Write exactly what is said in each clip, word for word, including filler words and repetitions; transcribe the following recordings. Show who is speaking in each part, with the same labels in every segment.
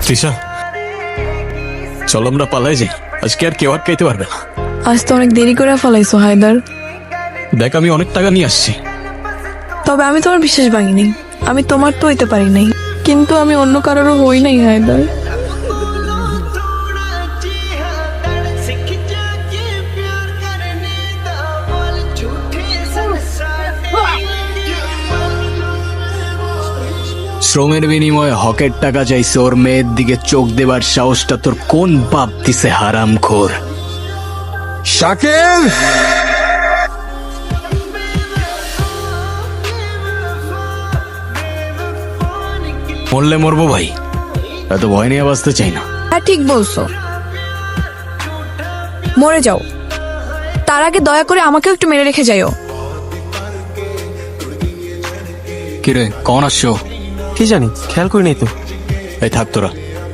Speaker 1: তৃষা, চলো আমরা পালাই যাই। আজকে আর কেউ আটকাইতে পারবে না।
Speaker 2: আজ তো অনেক দেরি করে ফেলাইছো হায়দার।
Speaker 1: দেখ, আমি অনেক টাকা নিয়ে আসছি।
Speaker 2: তবে আমি তোমার বিশ্বাস ভাঙিনি। আমি তোমার তো হইতে পারি নাই, কিন্তু আমি অন্য কারোরও হই নাই হায়দার।
Speaker 1: শ্রমের বিনিময়ে হকের টাকা চাইছে, ওর মেয়ের দিকে চোখ দেবার সাহসটা তোর কোন বাপ দিছে হারামখোর?
Speaker 3: শাকিল,
Speaker 1: মরলে মরবো ভাই, এত ভয় নিয়ে বাঁচতে চাই না।
Speaker 2: হ্যাঁ ঠিক বলছো, মরে যাও। তার আগে দয়া করে আমাকেও একটু মেরে রেখে যাইও।
Speaker 1: কিরে, কখন আসছো?
Speaker 3: কি জানি, খেয়াল করি নাই তো।
Speaker 1: এই থাক তোরা।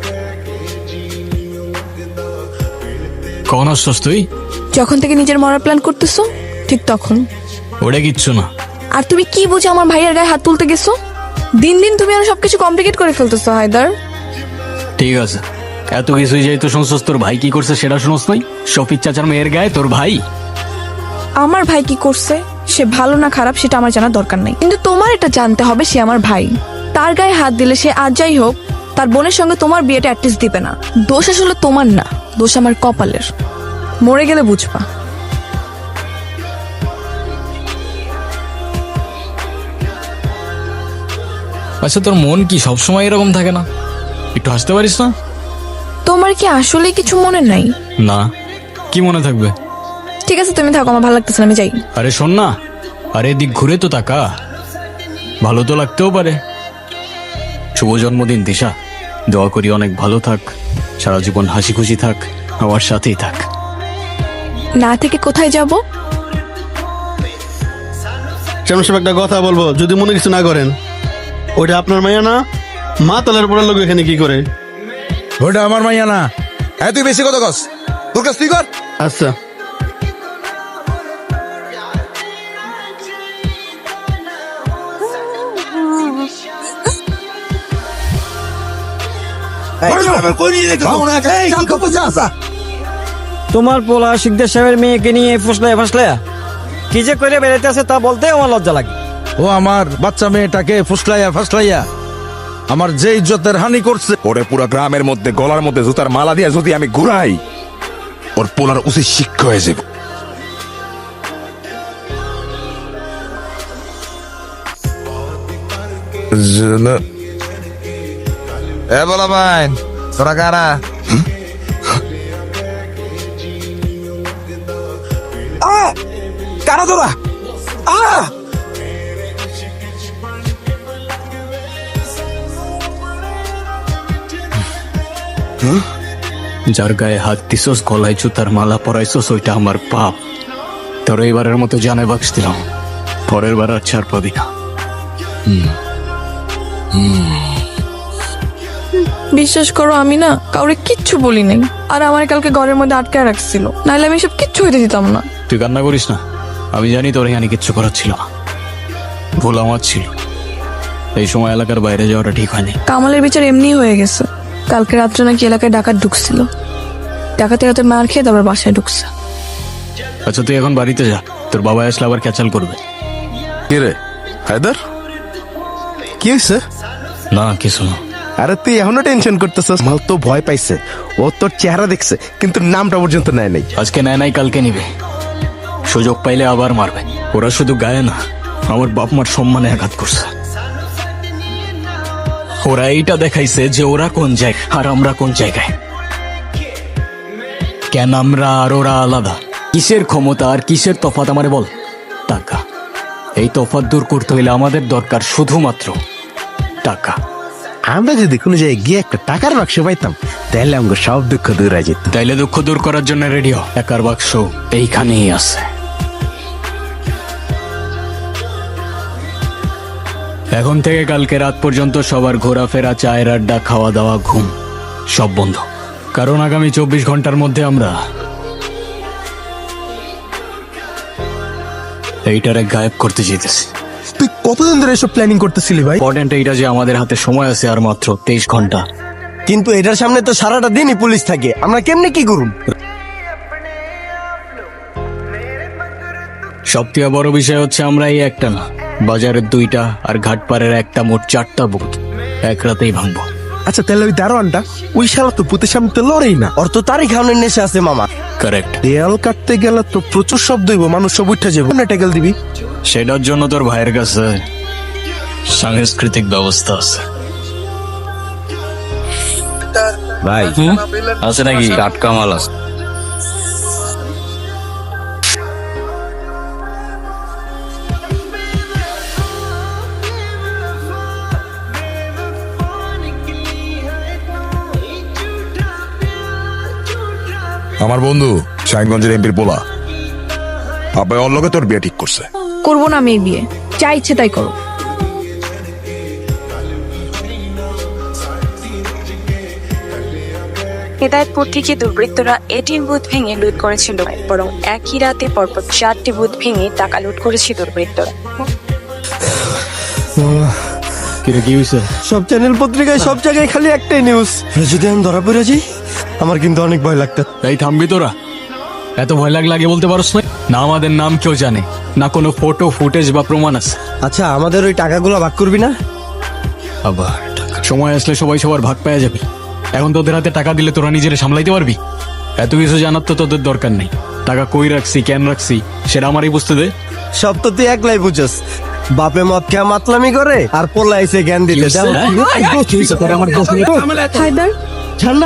Speaker 1: কখন আসছস তুই?
Speaker 2: যখন থেকে নিজের মরার প্ল্যান করতেছো ঠিক তখন।
Speaker 1: ওটা কিচ্ছু না।
Speaker 2: আর তুমি কি বুঝে আমার ভাইয়ের গায়ে হাত তুলতে গেছো? দিন দিন তুমি আর সবকিছু কমপ্লিকেট করে ফেলতেছো হায়দার।
Speaker 1: ঠিক আছে, এত কিছুই যেহেতু শুনছস, তোর ভাই কি করছে সেটা শুনস নাই? শফিক চাচার মেয়ের গায়ে তোর ভাই।
Speaker 2: আমার ভাই কি করছে, সে ভালো না খারাপ সেটা আমার জানার দরকার নাই, কিন্তু তোমার এটা জানতে হবে সে আমার ভাই। তার গায়ে হাত দিলে সে আজ যাই হোক তার বোনের সঙ্গে তোমার বিয়েটা অ্যাটলিস্ট দিবে না। দোষ আসলে তোমার না, দোষ আমার কপালের। মরে গেলে বুঝবা।
Speaker 1: আচ্ছা, তোর মন কি সবসময় এরকম থাকে না? একটু হাসতে পারিস না?
Speaker 2: তোমার কি আসলে কিছু মনে নাই?
Speaker 1: না, কি মনে থাকবে?
Speaker 2: ঠিক আছে তুমি থাকো, আমার ভালো লাগতেছে না, আমি যাই।
Speaker 1: আরে শোন না, আরে এদিক ঘুরে তো তাকা, ভালো তো লাগতেও পারে। শুভ জন্মদিন দিশা, দোয়া করি অনেক ভালো থাক, সারা জীবন হাসি খুশি থাক, আমার সাথেই থাক।
Speaker 2: না থেকে কোথায় যাব?
Speaker 4: চেয়ারম্যান সাহেব একটা কথা বলবো, যদি মনে কিছু না করেন। ওইটা আপনার মাইয়া না? মা তালের পরের লোক এখানে কি করে?
Speaker 3: ওটা আমার মাইয়া না। হ্যাঁ, তুই বেশি কথা কস, তোর কাছ তুই কর।
Speaker 4: আচ্ছা,
Speaker 5: তোমার পোলা শিকদার সাহেবের মেয়েকে নিয়ে ফসলায় ফসলায়া কি যে করে বেড়াইতে আছে তা বলতে আমার লজ্জা লাগে।
Speaker 3: ও আমার বাচ্চা মেয়েটাকে ফুসলাইয়া ফাসলাইয়া আমার যে ইজ্জতের হানি করছে।
Speaker 6: ওরে পুরো গ্রামের মধ্যে গলার মধ্যে জুতার মালা দিয়ে যদি আমি ঘুরাই, ওর পোলার উচিত শিক্ষা হয়ে যাবে।
Speaker 7: এ বলা ভাই, তোরা কারা?
Speaker 6: কারা তোরা?
Speaker 1: যার গায়ে হাত দিছস, গলায় জুতার মালা পরাইছস, ওইটা আমার পাপ। তোর এইবারের মতো জানে বাক্স দিলাম, পরের বার আর ছাড় পাবি না।
Speaker 2: বিশ্বাস করো আমি না কাউরে কিচ্ছু বলি নাই, আর আমার কালকে ঘরের মধ্যে আটকায় রাখছিল, নাহলে আমি সব কিচ্ছু হইতে দিতাম না।
Speaker 1: তুই কান্না করিস না, আমি জানি তোর এখানে কিচ্ছু করার ছিল না, ভুল আমার ছিল। এই সময় এলাকার বাইরে যাওয়াটা ঠিক হয়নি।
Speaker 2: কামালের বিচার এমনি হয়ে গেছে। কালকে রাত্রে নাকি এলাকায় ডাকাত ঢুকছিল, ডাকাতের রাতে মার খেয়ে তারপর বাসায় ঢুকছে।
Speaker 1: আচ্ছা তুই এখন বাড়িতে যা, তোর বাবা আসলে আবার ক্যাচাল করবে।
Speaker 6: কি রে হায়দার, কি হয়েছে?
Speaker 1: না কিছু না।
Speaker 8: আরে তুই এখনো টেনশন করতেছস? মাল তো ভয় পাইছে, ও তোর চেহারা দেখছে কিন্তু নামটা পর্যন্ত নেয় নাই।
Speaker 1: আজকে নেয় নাই, কালকে নিবে, সুযোগ পাইলে আবার মারবে। ওরা শুধু গায়ে না, আমার বাপ মার সম্মানে আঘাত করছে। ওরা এইটা দেখাইছে যে ওরা কোন জায়গায় আর আমরা কোন জায়গায়। কেন আমরা আর ওরা আলাদা? কিসের ক্ষমতা আর কিসের তফাৎ আমারে বল? টাকা। এই তফাৎ দূর করতে হইলে আমাদের দরকার শুধুমাত্র টাকা।
Speaker 8: আমরা যদি কোনো জায়গায় গিয়ে একটা টাকার বাক্স পাইতাম তাহলে আমাকে সব দুঃখ দূর হয়ে যেত।
Speaker 1: তাইলে দুঃখ দূর করার জন্য রেডিও টাকার বাক্স এইখানেই আছে। এখন থেকে কালকে রাত পর্যন্ত সবার ঘোরাফেরা, চায়ের আড্ডা, খাওয়া দাওয়া, ঘুম সব বন্ধ, কারণ আগামী চব্বিশ ঘন্টার মধ্যে আমরা এইটারে গায়েব করতে যেতেছি।
Speaker 8: তুই কতদিন ধরে এসব প্ল্যানিং করতেছিলি ভাই?
Speaker 1: ইম্পর্টেন্ট এইটা যে আমাদের হাতে সময় আছে আর মাত্র তেইশ ঘন্টা।
Speaker 5: কিন্তু এটার সামনে তো সারাটা দিনই পুলিশ থাকে, আমরা কেমনে কি করুন?
Speaker 1: সবথেকে বড় বিষয় হচ্ছে আমরা এই একটা না, বাজারের দুইটা আর ঘাটপাড়ের একটা, মোট চারটা বুথ এক রাতেই ভাঙবো।
Speaker 8: আচ্ছা তাহলে ওই দারোয়ানটা, ওই শালা তো পুতের সামনে তো লড়েই না।
Speaker 5: ওর তো তারই খাওয়ানোর নেশা আছে মামা।
Speaker 1: কারেক্ট।
Speaker 8: দেয়াল কাটতে গেলে তো প্রচুর শব্দ হইব, মানুষ সব উঠে যাবো, না টেকেল দিবি?
Speaker 1: সেটার জন্য তোর ভাইয়ের কাছে সাংস্কৃতিক ব্যবস্থা আছে।
Speaker 5: ভাই
Speaker 1: আছে নাকি? টাটকা মাল আছে।
Speaker 6: আমার বন্ধু শাহিনগঞ্জের এমপির পোলা আব্বাই ওর লগে তোর বিয়ে ঠিক করছে।
Speaker 2: করবো না আমি এই বিয়ে, যা ইচ্ছে তাই করো।
Speaker 9: হেদায়তপুর থেকে দুর্বৃত্তরা এটিএম বুথ ভেঙে লুট করেছিল, বরং একই রাতে পরপর চারটি বুথ ভেঙে টাকা লুট করেছে দুর্বৃত্তরা।
Speaker 1: কিরে কি হয়েছে?
Speaker 5: সব চ্যানেল পত্রিকায় সব জায়গায় খালি একটাই নিউজ, যদি আমি ধরা পড়ে যাই আমার কিন্তু অনেক ভয় লাগতো।
Speaker 1: এই থামবি তোরা? এত ভয় লাগ লাগে বলতে পারস না? না আমাদের নাম কেউ জানে না, কোনো ফটো ফুটেজ বা প্রমাণ আছে।
Speaker 5: আচ্ছা আমাদের ওই টাকাগুলো ভাগ করবি না?
Speaker 1: আবার টাকা। সময় আসলে সবাই সবার ভাগ পাওয়া যাবে। এখন তোদের হাতে টাকা দিলে তোরা নিজেরা সামলাইতে পারবি? এত কিছু জানার তো তোদের দরকার নেই। টাকা কই রাখছি, কেন রাখছি সেটা আমারই বুঝতে দে।
Speaker 5: সব তো তুই একলাই বুঝছস, বাপে মদ খেয়া মাতলামি করে আর পোলা এসে জ্ঞান দিতে।
Speaker 2: হায়দার,
Speaker 5: ঠান্ডা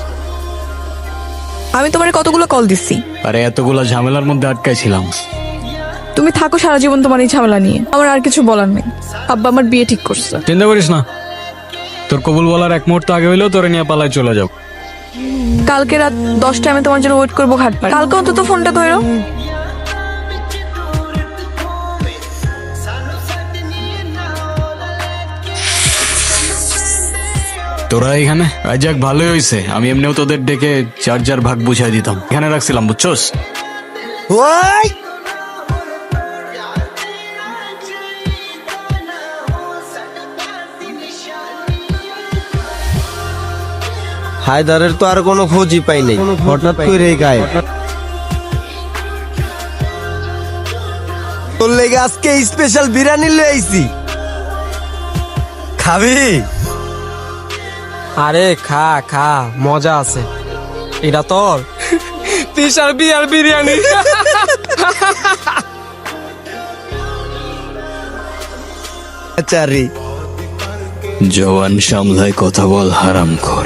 Speaker 2: আমি তোমার কতগুলো কল দিচ্ছি,
Speaker 1: আরে এতগুলা ঝামেলার মধ্যে আটকাইছিলাম।
Speaker 2: তুমি থাকো সারা জীবন তোমার এই ঝামেলা নিয়ে, আমার আর কিছু বলার নেই। আব্বা আমার বিয়ে ঠিক করছে।
Speaker 1: চিন্তা করিস না, তোর কবুল বলার এক মুহূর্ত আগে হইলেও তোরে নিয়ে পালায় চলে যাও।
Speaker 2: কালকে রাত দশটায় আমি তোমার জন্য ওয়েট করবো ঘাটপাড়ে। কালকে অন্তত ফোনটা ধরো।
Speaker 1: তোরা এখানে আজ যাক ভালোই হয়েছে, আমি এমনিও তোদের ডেকে চার চার ভাগ বুঝাই দিতাম। এখানে রাখছিলাম বুঝছস?
Speaker 5: ওই হায়দারের তো আর কোনো খোঁজই পাই নাই, হঠাৎ করে গায়ে। তোর লেগে আজকে স্পেশাল বিরিয়ানি লয়ে আইছি, খাবি?
Speaker 10: আরে খা খা, মজা আছে। এটা তোর বিশাল বিয়ার বিরিয়ানি।
Speaker 5: আচ্ছা রে,
Speaker 1: জওয়ান সামলায় কথা বল হারাম খোর।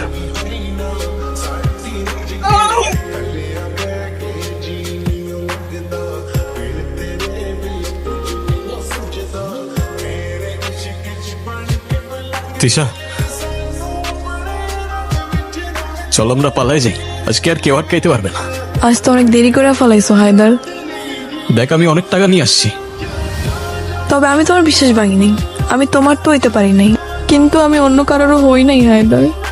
Speaker 1: তিশা চল আমরা পালাই যাই, আজকে আর কেউ আটকাইতে পারবে না।
Speaker 2: আজ তো অনেক দেরি করে ফেলাইছো হায়দার।
Speaker 1: দেখ আমি অনেক টাকা নিয়ে আসছি।
Speaker 2: তবে আমি তোমার বিশ্বাস ভাঙিনি, আমি তোমার তো হইতে পারি নাই, কিন্তু আমি অন্য কারোরও হই নাই হায়দার।